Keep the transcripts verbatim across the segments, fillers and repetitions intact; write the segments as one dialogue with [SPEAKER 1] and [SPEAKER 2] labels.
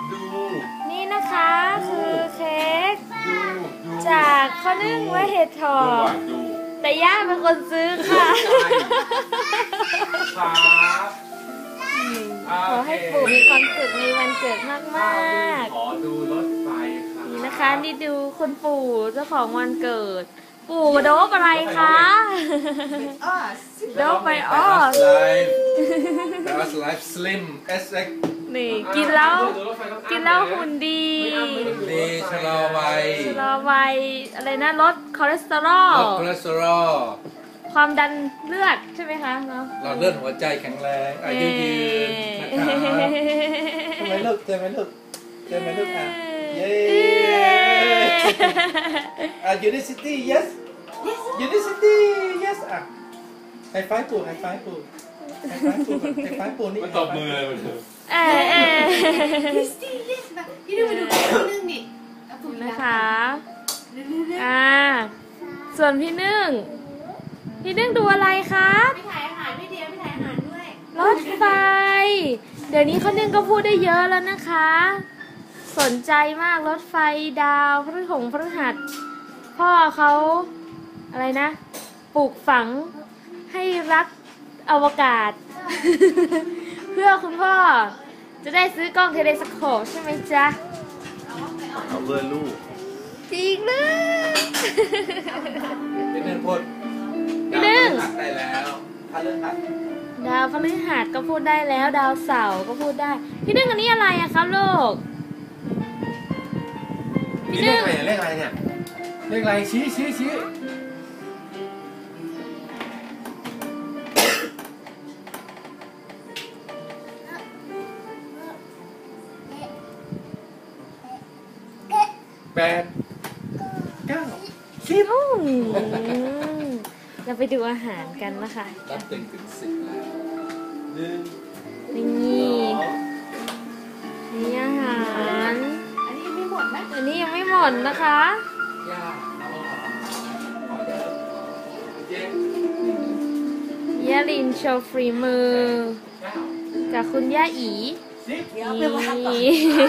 [SPEAKER 1] ดู
[SPEAKER 2] นี่นะคะคือเค้กจากข้าวนึ่งและเห็ดถอบแต่ย่าเป็นคนซื้อค่ะขอให้ปู่มีความสุขในวันเกิดมากๆ
[SPEAKER 1] ขอดูรถไฟค่ะ
[SPEAKER 2] นี่นะคะนี่ดูคุณปู่เจ้าของวันเกิดปู่โดบอะไรคะโดบไปอ้อ
[SPEAKER 1] แต่ว่าไลฟ์สลิมเอสเอ็ก
[SPEAKER 2] นี่กินแล้วกินแล้วหุ่นดี
[SPEAKER 1] ดีชะลอวัย
[SPEAKER 2] ชะลอวัยอะไรนะลดคอเลสเตอรอล
[SPEAKER 1] ลดคอเลสเตอรอล
[SPEAKER 2] ความดันเลือดใช่ไหมคะเนาะ
[SPEAKER 1] หลอดเลือดหัวใจแข็งแรงอายุยืนนะครับเจอไหมลูกเจอไหมลูกเจอไหมลูกอ่ะเย้อ่ะ Unicity yes Unicity yes อ่ะไฮไฟว์ปู่ไฮไฟว์ปู่ไฮไฟว์ปู่ไฮไฟว์ปู่นี่มันตบมือเลยมัน
[SPEAKER 2] เออเออ
[SPEAKER 3] Unicity yes มาพี่ดูมาดูพี่นึ่งดิ
[SPEAKER 2] นะคะอ่าส่วนพี่นึ่งพี่นึ่งดูอะไรคะ
[SPEAKER 3] ไม่ถ่ายอาหารไม่เดียวไม่ถ่ายอาหารด้วย
[SPEAKER 2] รถไฟเดี๋ยวนี้เขานึ่งก็พูดได้เยอะแล้วนะคะสนใจมากรถไฟดาวพฤหงพฤหัสพ่อเขาอะไรนะปลูกฝังให้รักอวกาศ เพื่อคุณพ่อจะได้ซื้อกล้องเทเลสโคปใช่ไหมจ๊ะ
[SPEAKER 1] เอาเพื่อลูก
[SPEAKER 2] จริงเลย
[SPEAKER 1] พี่นึ่งพูด
[SPEAKER 2] พี่นึ่ง
[SPEAKER 1] ได้แล้วพฤหัส
[SPEAKER 2] ดาวพฤหัสก็พูดได้แล้วดาวเสาร์ก็พูดได้พี่นึ่งอันนี้อะไรอะครับลูก
[SPEAKER 1] พี่นึ่งเลขอะไรเนี่ยเลขอะไรชี้ชี้ชี้แปดเก้าสิบ
[SPEAKER 2] เราไปดูอาหารกันนะคะ
[SPEAKER 1] นับตึงถึงสิบแล้วหนึ่ง
[SPEAKER 2] นี่นี่อาหาร
[SPEAKER 3] อันนี้ยังไม่หมดนะ
[SPEAKER 2] อันนี้ยังไม่หมดนะคะย่าลินโชว์ฟรีมือจากคุณย่าอีนี่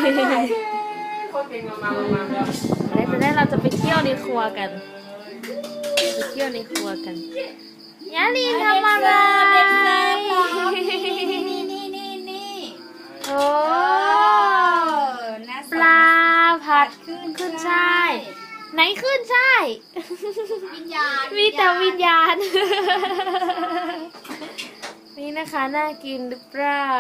[SPEAKER 2] แล้วจะได้เราจะไปเที่ยวในครัวกันไปเที่ยวในครัวกันยาลีทำอะไรโอ้ปลาผัดขึ้นช่ายไหนขึ้นช่าย
[SPEAKER 3] วิญญาณ
[SPEAKER 2] มีแต่วิญญาณนี่นะคะน่ากินหรือเปล่า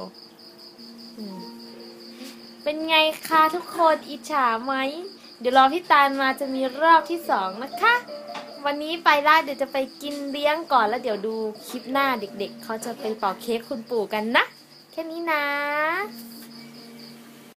[SPEAKER 2] เป็นไงคะทุกคนอิจฉาไหมเดี๋ยวรอพี่ตาลมาจะมีรอบที่สองนะคะวันนี้ไปล่าเดี๋ยวจะไปกินเลี้ยงก่อนแล้วเดี๋ยวดูคลิปหน้าเด็กๆเขาจะไปเป่าเค้กคุณปู่กันนะแค่นี้นะ